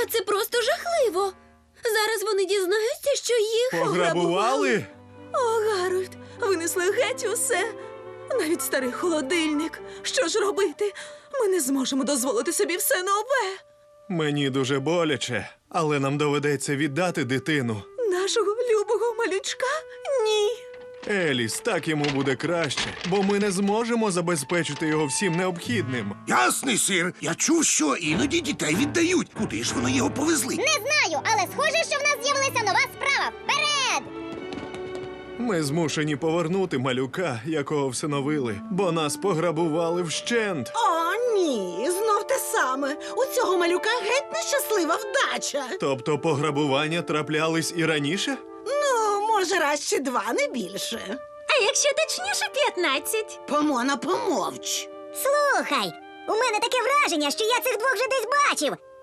Та це просто жахливо. Зараз вони дізнаються, що їх Пограбували? О, Гарольд, винесли геть усе. Навіть старий холодильник. Що ж робити? Ми не зможемо дозволити собі все нове. Мені дуже боляче, але нам доведеться віддати дитину. Нашого любого малючка? Ні. Еліс, так йому буде краще, бо ми не зможемо забезпечити його всім необхідним. Ясний, сир. Я чув, що іноді дітей віддають. Куди ж вони його повезли? Не знаю, але схоже, що в нас з'явилася нова справа. Вперед! Ми змушені повернути малюка, якого всиновили, бо нас пограбували вщент. О, ні, знов те саме. У цього малюка геть нещаслива вдача. Тобто пограбування траплялись і раніше? Ну, може, раз чи два, не більше. А якщо точніше 15? Помона, помовч. Слухай, у мене таке враження, що я цих двох вже десь бачив.